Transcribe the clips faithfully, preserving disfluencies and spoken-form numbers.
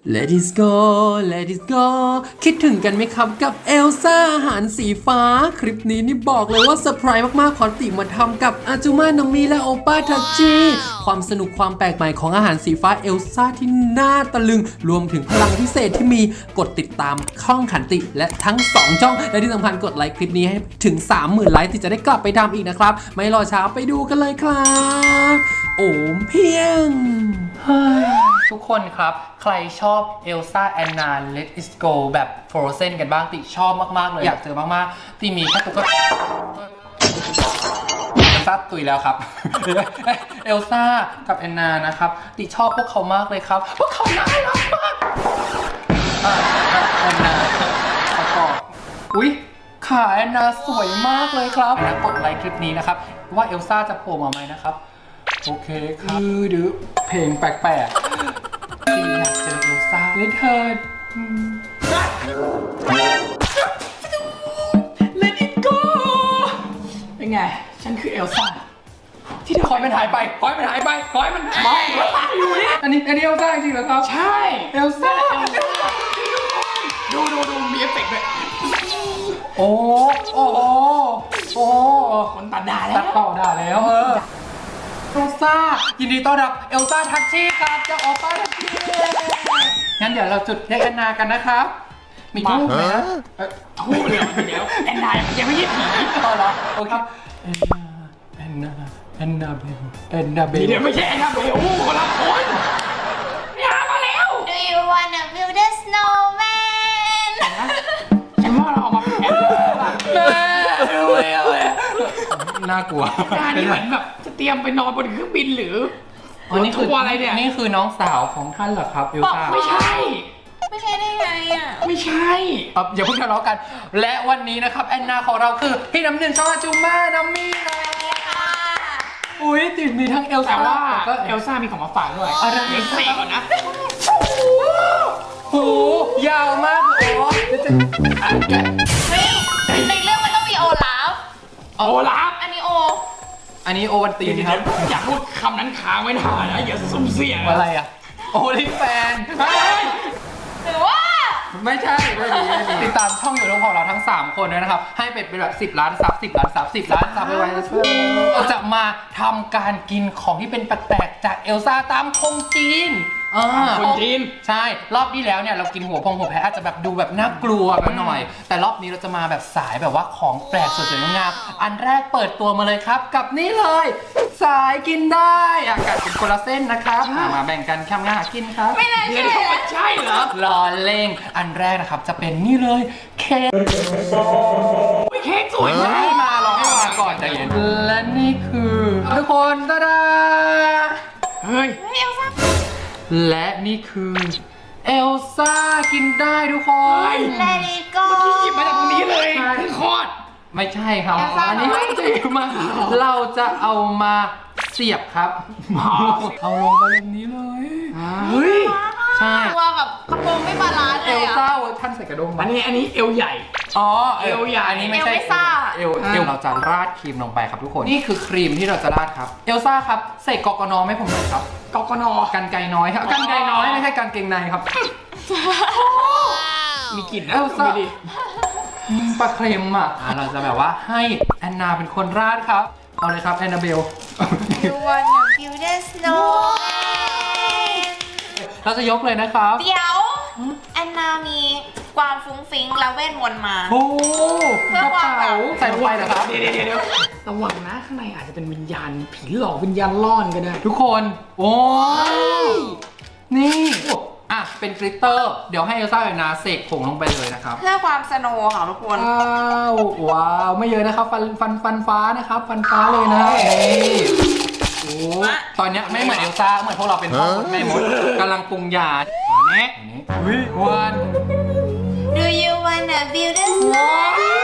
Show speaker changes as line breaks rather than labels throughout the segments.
Let it go Let it go คิดถึงกันไหมครับกับเอลซ่าอาหารสีฟ้าคลิปนี้นี่บอกเลยว่าเซอร์ไพรส์มากๆขอติมาทำกับอาจูมาน้องมีและโอป้าทัชจีความสนุกความแปลกใหม่ของอาหารสีฟ้าเอลซ่าที่น่าตะลึงรวมถึงพลังพิเศษที่มีกดติดตามช่องขันติและทั้งสองช่องและที่สำคัญกดไลค์คลิปนี้ให้ถึง สามหมื่น ไลค์ที่จะได้กลับไปทำอีกนะครับไม่รอช้าไปดูกันเลยครับโอมเพียงทุกคนครับใครชอบเอลซ่าแอนนา Let It Go แบบ Frozen กันบ้างติชอบมากๆเลยอยากเจอมากๆที่มีแค่ตุ๊กตาเอลซ่าตุยแล้วครับเอลซ่ากับแอนนานะครับติชอบพวกเขามากเลยครับพวกเขาน่ารักมากแอนนาประกอบอุ๊ยขาแอนนาสวยมากเลยครับนะกดไลค์คลิปนี้นะครับว่าเอลซ่าจะโผล่มาไหมนะครับโอเคครับคือดื้อเพลงแปลกๆที่อยากเจอเอลซ่าเลยเธอ
Let it go เป็นไงฉันคือเอลซ่าที่เธอ
คอยมันหายไปคอยมันหายไปคอยมันไม่อยู่นี่อันนี้อันนี้เอลซ่าจริงเหรอครับ
ใช่
เอลซ่า
ดูดูดูมีเอฟเฟกต์ด้วย
โอ้โอ้โอ้
คนตัดด่าแล้ว
ตัดต่อด่าแล้วเออเอลซ่ายินดีต้อนรับเอลซ่าทัชชี่ครับเจ้าโอป้าทัชชี่งั้นเดี๋ยวเราจุดเค้กแอนนากันนะครับมีทูบไหมนะ
ทูบเลยเดี๋ยวแอนนายังไม่ใช่ผี
ต่อเหรอโอเคแอนนาแอนนาเบลแอนนาเบล
เดี๋ยวไม่ใช่แอนนาเบลคนละคนอย่ามาแล้ว
Do you wanna build a snowman
ฉันว่าเราออกมาเป็นแอนนาแม่
น่ากลัว
หน้านี่เหมือนแบบจะเตรียมไปนอนบนเครื่องบินหรือ
อ๋อนี่คือ
ทัวร์อะไรเนี่ย
นี่คือน้องสาวของท่านเหรอครับเอลซ่า
ไม่ใช่
ไม่ใช่ได้ไงอ่ะ
ไม่ใช่
อย่าเพิ่งทะเลาะกันและวันนี้นะครับแอนนาของเราคือพี่น้ำหนึ่งช่องอาจูม่าน้ำมี่นะอุ้ยติดมีทั้งเอลซ่า
แต่ว่า
ก็
เอลซ่ามีของมาฝากด้วย
อะไร
เดี๋ยวเสกก่อนนะ
โอ้ยาวมากเลยอ๋อ
เฮ้ยในเรื่องมันต้องมีโอลาฟ
โอลาฟ
อันนี้โอ
อันนี้โอวันตีนครับ
อย่าพูดคำนั้นค้างไว้นานนะอย่าสุ่มเสี่ยง
อะไรอ่ะโอลิแฟน
หรือว่า
ไม่ใช่ไม่ดีไม่ดีติดตามช่องยูทูบของเราทั้งสามคนด้วยนะครับให้เป็นเป็นแบบสิบล้านซับสิบล้านซับสิบล้านซับไปไว้เราจะมาทำการกินของที่เป็นแปลกๆจากเอลซ่าตามคงจีนอ่า
คนจีน
ใช่รอบที่แล้วเนี่ยเรากินหัวพงหัวแพะอาจจะแบบดูแบบน่ากลัวกันหน่อย แต่รอบนี้เราจะมาแบบสายแบบว่าของแปลกสวยๆงามๆอันแรกเปิดตัวมาเลยครับกับนี่เลย สายกินได้อากาศเป็นคนละเส้นนะครับมาแบ่งกันข้ามหน้ากินครับ
ไม่น่า
เดี๋ยว
เชื่อ
มันใช่เหรอ
รอเล่งอันแรกนะครับจะเป็นนี่เลยเค้ก
เค้กสวยมาก
ให้มาลองให้มาก่อนใจเย็นและนี่คือทุกคนตาดา
เฮ้ย
เฮ้ยเอลซ่า
และนี่คือเอลซ่ากินได้ทุกคน
Let it go
เมื่อกี้หยิบมาจากตรงนี้เลยเพิ่งคลอด
ไม่ใช่ครับ
เอลซ่า
อันนี้
น้อย
ไม่ใช่มาเราจะเอามาเสียบครับเอาลงไปแบบนี้เลย
เฮ้ย
ใช่
ตัวแบบกระโปรงไม่บาลานซ์
เอ
เลย
ล
อ่ะ
ซ่าเวอร์ชันใส่กระด้ง
อันนี้อันนี้เอวใหญ่
อ๋อ
เอวใหญ่
อันนี้ไม่ใช่
เอลไม่ซ่า
เอลเอลเราจะราดครีมลงไปครับทุกคนนี่คือครีมที่เราจะราดครับเอลซ่าครับใส่กอกนอไม่ผมหน่อยครับ
กกน
กันไกน้อยครับกันไกน้อยไม่ใช่กันเกงในครับ
มีกลิ่นนะ
เอลซ่า
ดูดิ
ปลาเค็มอ่ะเราจะแบบว่าให้แอนนาเป็นคนราดครับเอาเลยครับแอนนาเบล
You wanna build a snowman
เราจะยกเลยนะครับ
เดี๋ยวแอนนามีความฟุ้งฟิ้งและเวทมนต์มา
โอ้
เพื่
ก
อ
ระ
ความแบ
เป๋า
บ
ใส่ลงไปเหรอครับ
เดี๋ยวเดี๋ยวเดี๋ยวระวังนะข้างในอาจจะเป็นวิญญาณผีหลอกวิญญาณล่อนก็ได้
ทุกคนโอ้ยนี่อ่ะเป็นกลิตเตอร์เดี๋ยวให้เอลซ่ากับนาเสกผงลงไปเลยนะครับ
เพื่อความสโนว์ค่ะทุกคน
ว้าวว้าวไม่เยอะนะครับฟันฟันฟันฟ้านะครับฟันฟ้าเลยนะนี่โอ้ตอนเนี้ยไม่เหมือนเอลซ่าเหมือนพวกเราเป็นพ่อมดแม่มดกำลังปรุงยาอันนี้อุ้ยวัน
Do you wanna build a snowman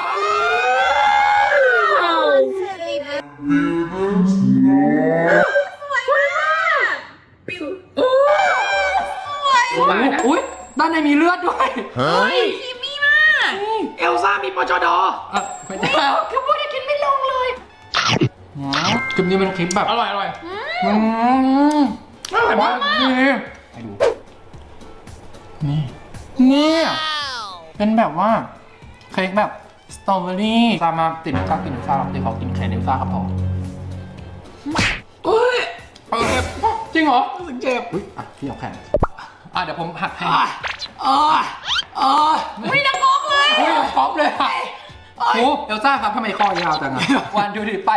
อุ้ยด้านในมีเลือดด้วย
เฮ้ย
คิมมี่มาก
เอลซ่ามีปจด
เออไม่ใช่
คือพูดจะกินไม่ลงเลย
คลิปนี้เป็นคลิปแบบ
อร่อยอร่อย
อืม
อร่อยมาก
ดีให้ดูนี่เนี่ยเป็นแบบว่าเค้กแบบสตรอเบอรี่ซามาติดชอบกินซาลาติดขอกินเค้กเอลซ่าครับผม
เฮ้ย
เออจริงเหรอ
รู้สึกเจ็บ
อุ้ยอ่ะพี่เอาแผ่นอ่ะเดี๋ยวผมหักให้
อ่ะอ่ะอ่ะ
ไม่นักงอกเลย
โอ้ยครบเลยค่ะโอ้เอลซ่าครับทำไมคอยาวจังอ่ะวันดูดิไป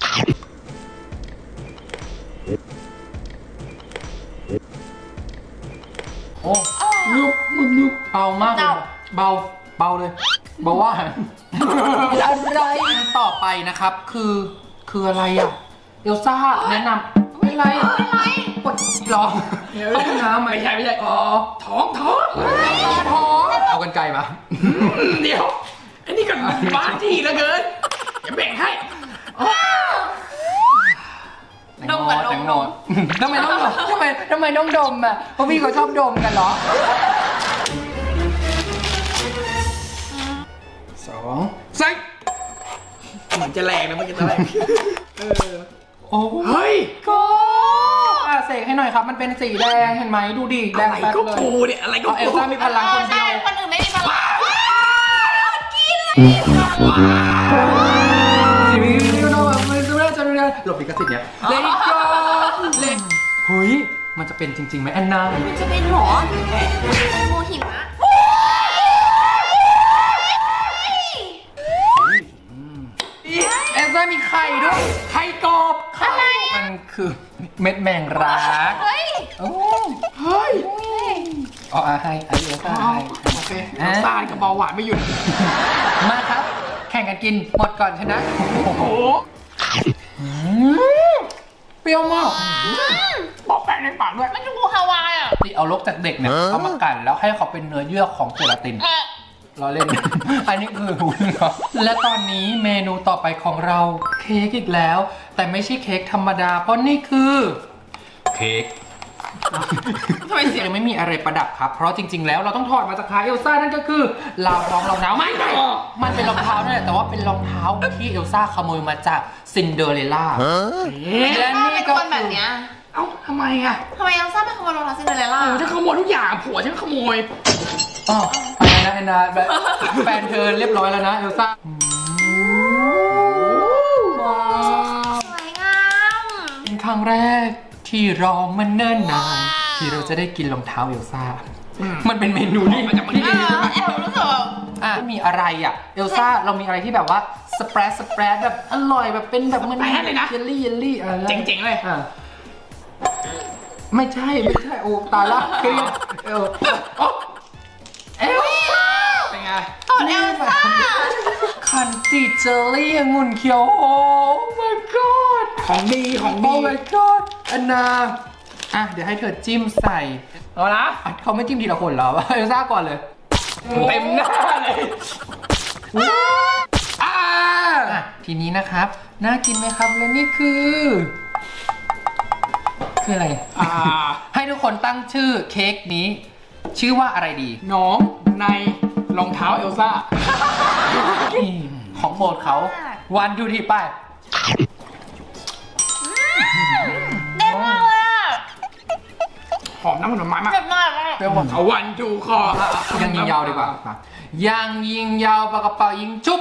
โอ้
นุบนุบนุบ
เบามากเลยเบาเบาเลยเบาว่าอะไรต่อไปนะครับคือคืออะไรอ่ะเอลซ่าแนะนำไม่ไรไม่ไรปวดรอเข้าห้องน้ำไหม
ไม่ใช่ไม่ใช่
อ๋อ
ท้องท้อง
ท้องเอากันไกลมา
เดี๋ยวอันนี้กันบ้าที่เหลือเกินอย่าแบ่งให้
ดมกับดม
แตงโมทำไมต้องดมทำไมทำไมต้องดมอ่ะเพราะพี่เขาชอบดมกันเหรอสองใส่
เหมือนจะแรงนะมันจะแรงเออ
โอ้
เฮ้ย
ก็อ่ะเสกให้หน่อยครับ มันเป็นสีแดงเห็นไหมดูดิแดง
อะไร
แป๊ด
ก็
เลย
ปูเนี่ยอะไรก็
เอาเอล
ปู
ซ่ามีพลัง
เอ
ค
อน
เดี
ใช่
ยว
คนอื่นไม่มีพลังกินเลย
สีนี้ดูหน่อยไม่ดูได้จะดูได้หลบลิขสิทธิ์เนี่ยเลนโกเลนเฮ้ยมันจะเป็นจริงๆไหมแอนนา
มันจะเป็นหรอโมหิมะ
เอลซ่ามีไข่ด้วยไข่กรอบไข่มันคือเม็ดแมงรัก
เฮ้ย
โอ้
เฮ้ย
อ๋ออ่ะให้ไอเอลซ่าให้
โอเคน้ำตาลกับเบาหวานไม่หยุด
มาครับ แข่งกันกินหมดก่อนชนะโอ้โห
โอ้
เปรี้ยวมาก
บอกแป้งในปากด้วย
มันดูฮาวายอ่ะ
ที่เอาลกจากเด็กเนี่ยเอามากั่นแล้วให้เขาเป็นเนื้อเยื่อของเจลาติน
เออ
เราเล่น อันนี้คือหูเนาะและตอนนี้เมนูต่อไปของเราเค้กอีกแล้ว แต่ไม่ใช่เค้กธรรมดา เพราะนี่คือ เค้ก
ทำไมเสียง
ยังไม่มีอะไรประดับครับ เพราะจริงๆแล้วเราต้องถอดมาจากขาเอลซ่านั่นก็คือราวรองรองเท้าไม่ใช่มันเป็นรองเท้านั่นแหละแต่ว่าเป็นรองเท้าที่เอลซ่าขโมยมาจากซินเดอเรลล่า และ
ถ้า
นี่
เป็น
ก็
คนแบบเนี้ย
เอ้าทำไมอ่ะ
ทำไมเอลซ่าเป็นขโมยรองเท้าซินเดอเรลล่า
โอ้ฉันขโมยทุกอย่างผัวฉันขโมย
อ๋ออะไรนะแอนนาแบบแฟนเธอเรียบร้อยแล้วนะเอลซ่าว้าว
สวยงาม
เป็นครั้งแรกที่รอมันเนิ่นนานที่เราจะได้กินรองเท้าเอลซ่า มันเป็นเมนูนี่
มันจะมัน
เออแอบรู้สึกแบบ
อ่ะมีอะไรอ่ะเอลซ่าเรามีอะไรที่แบบว่าสเปรดสเปรดแบบอร่อยแบบเป็นแบบมัน
สเปรดเลยนะ
เยลลี่เยลลี่อะไร
เจ๋งๆเลย
อ่ะไม่ใช่ไม่ใช่โอ้ตายละเครียดเอลโอ๊ะเอลซ่า
เป็นไง
ตอนเอลซ่า
คันจิเจลลี่องุ่นเขียวโอ้ my god
ของดีของ
โอ้
ดี
my god อันนาอ่ะเดี๋ยวให้เธอจิ้มใส่
เอาละ
อ่ะเขาไม่จิ้มทีละคนเหรอเอลซ่าก่อนเลย
เต็มหน้าเลย
อ่าอ่ะทีนี้นะครับน่ากินไหมครับและนี่คือ คืออะไร
อ่า
ให้ทุกคนตั้งชื่อเค้กนี้ ชื่อว่าอะไรดี
น้องในรองเท้าเอลซ่า
ของโปรดเขาวันดูทีไป
เด็ดมากเลยอ่ะ
หอมน้ำผลไม้มาก
เด็ดมากเลย
เปรี้ยวหวาน
เอาวันจูคอ
ยังยิงยาวดีกว่ายังยิงยาวปากกระเป๋ายิงจุ๊บ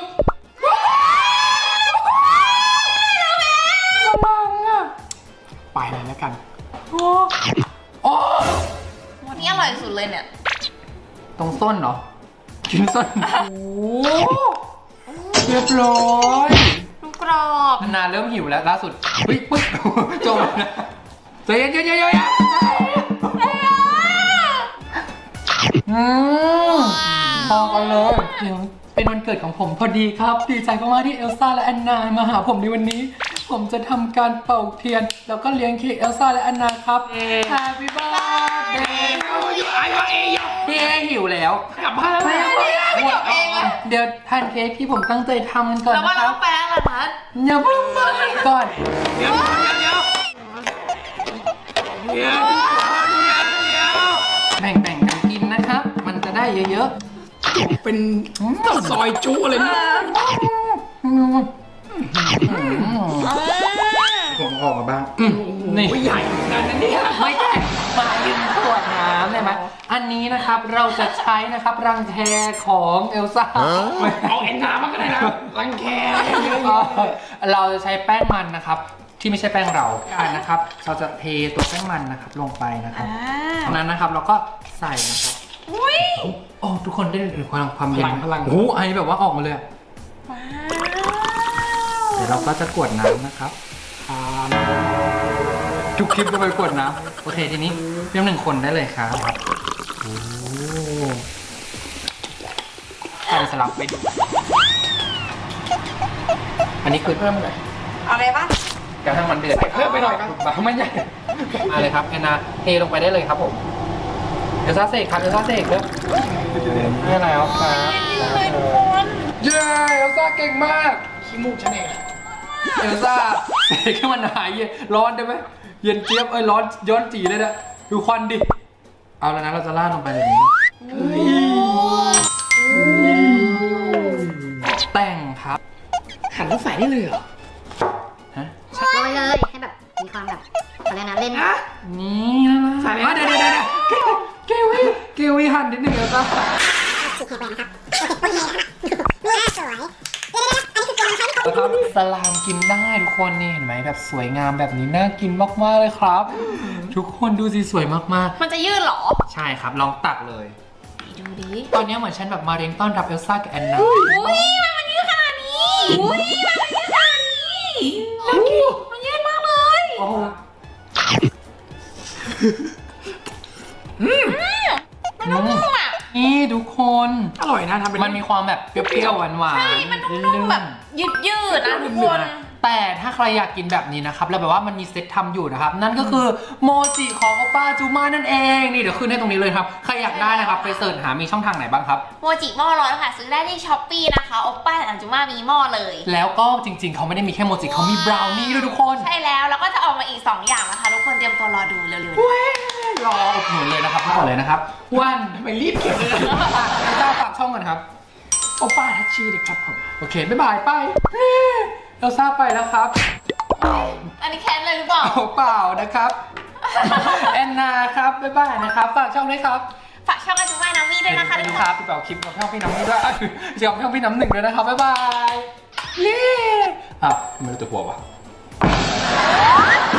มังอ่ะ
ไปเลยแล้วกัน
โอ้โอ้
วันนี้อร่อยสุดเลยเนี่ย
ตรงส้นเหรอกินส้นโอ้เรียบร้อย
ลูกกรอบ
อันนาเริ่มหิวแล้วล่าสุดเฮ้ยปึ๊บจมนะใจเย็นเย็นเย็นเย็นอืมพอกันเลยเดี๋ยวเป็นวันเกิดของผมพอดีครับดีใจมากๆที่เอลซ่าและแอนนามาหาผมในวันนี้ ผมจะทำการเป่าเทียน แล้วก็เลี้ยงเค้กเอลซ่าและแอนนาครับ Happy birthday
เอาอยู่ไอ้วะเอย
พี่เอหิวแล้ว
กลับบ้านแล้ว
ไม่จบเองอะ
เดี๋ยวทานเค้กที่ผมตั้งใจทำกันก่อน
แล้วว่า
นะค
เรา
รับ
ต้องแปลงอะไรนะ
อย่าเพิ่งไปก่อน
เดี๋ยวเดี๋ยวเดี๋ยวเดี๋ยวเดี๋ยว
แบ่งๆกันกินนะครับ มันจะได้เยอะ
เป็นซอยจุเลยนะ
ๆอืมผมออกมาบ้าง นี่
โอ้ยใหญ่เหมือนกันนะเนี่ย
ไม่ใช่มายืมขวดน้ำได้ไหมอันนี้นะครับเราจะใช้นะครับรังแคของเอลซ่า
เอาแอนนามาก็ได้นะรังแค
เราจะใช้แป้งมันนะครับ ที่ไม่ใช่แป้งเราอ่านะครับ เราจะเทตัวแป้งมันนะครับลงไปนะครับจากนั้นนะครับเราก็ใส่นะครับ
อุ้ย
โอ้ทุกคนได้เห็นความความ
พ
เย็น
ลังพลัง
โอ้โหไอแบบว่าออกมาเลย
ว้าว
เดี๋ยวเราก็จะกวดน้ำนะครับทุกคลิปก็ไปกวดน้ำโอเคทีนี้เพียงหนึ่งคนได้เลยครับโอ้ใส่สลับไปดูอันนี้คือ
เพิ่มหน่อย
เอาเลยปะ
กระทั่งมันเดือด
ใส่เพิ่มไปหน่อยครับ
ไม่ใหญ่มาเลยครับแอนนาเทลงไปได้เลยครับผมเอลซ่าเสกครับเอลซ่าเสกครับนี่อะไรครับ
เลยทุกคน
เย้เอลซ่าเก่งมาก
ขี้มูกฉันเอง
เอลซ่าเสกให้มันหายเย็นร้อนได้ไหมเย็นเจี๊ยบเอ้ยร้อนย้อนจีเลยนะดูควันดิเอาแล้วนะเราจะล่าดลงไปเลยนี้แต่งครับ
หันแล้วใส่ได้เลยเหรอ
ฮะ
โรยเลยให้แบบมีความแบบอะไรนะเล่น
ฮะ
นี่นะ
ใส่เลย
อ่ะเดี๋ยวเดี๋ยวเดี๋ยวเกวีเกวีหั่นนิดหนึ่งเอลซ่านะครับสลามกินได้ทุกคนนี่เห็นไหมแบบสวยงามแบบนี้น่ากินมากๆเลยครับ ทุกคนดูสิสวยมากๆ
มันจะยืดเหรอ
ใช่ครับ ลองตักเลย
ดูดิ
ตอนนี้เหมือนฉันแบบมาเรียนต้อนรับเอลซ่ากับแอนนา
อุ้ยมันมันยืดขนาดนี้ อุ้ยมันมันยืดขนาดนี้แล้วกินมันยืดมากเลย
โอ้โห
มันนุ่มๆอ่ะ
นี่ทุกคน
อร่อยนะทำเป็น
มันมีความแบบเปรี้ยวๆหวานๆ
ใช่มันนุ่มๆแบบยืดยืดๆนะทุกคน
แต่ถ้าใครอยากกินแบบนี้นะครับ แล้วแบบว่ามันมีเซ็ตทำอยู่นะครับ นั่นก็คือโมจิของโอป้าจูมานั่นเอง นี่เดี๋ยวขึ้นให้ตรงนี้เลยครับ ใครอยากได้นะครับ ไปเสิร์ชหามีช่องทางไหนบ้างครับ
โมจิหม้อร้อนค่ะ ซื้อได้ที่ช้อปปี้นะคะโอป้าอันจุมามีหม้อเลย
แล้วก็จริงๆ เขาไม่ได้มีแค่โมจิเขามีบราวนี่ด้วยทุกคน
ใช่แล้ว แล้วก็จะออกมาอีก สอง อย่างนะคะ ทุกคนเตรียมตัวรอดูเร็วๆนี้
รออุดหนุนเลยนะครับก่อนเลยนะครับวัน
ทำไมรีบเก็บเลย
เอลซ่าฝากช่องกันครับ
โอป้าทัชชี่เลยครับผม
โอเค บ๊ายบาย ไปเอลซ่าไปแล้วครับ
อันนี้แค้นเลยหรือเปล่า
เอาเปล่านะครับ แอนนาครับ บ๊ายบายนะครับ ฝากช่องด้วยครับ
ฝากช่องอันจุมานามีด้วยนะคะ
ไป
ทุ
ดู
ก
ค
ค
รั
น
บพี่เป๋าคลิปกับช่องพี่น้ำนี่ด้วยเอ้ยเชียร์กับช่องพี่น้ำหนึ่งด้วยนะครับ บ๊ายบาย นี่อ้าวทำไมรู้ตัวหัววะ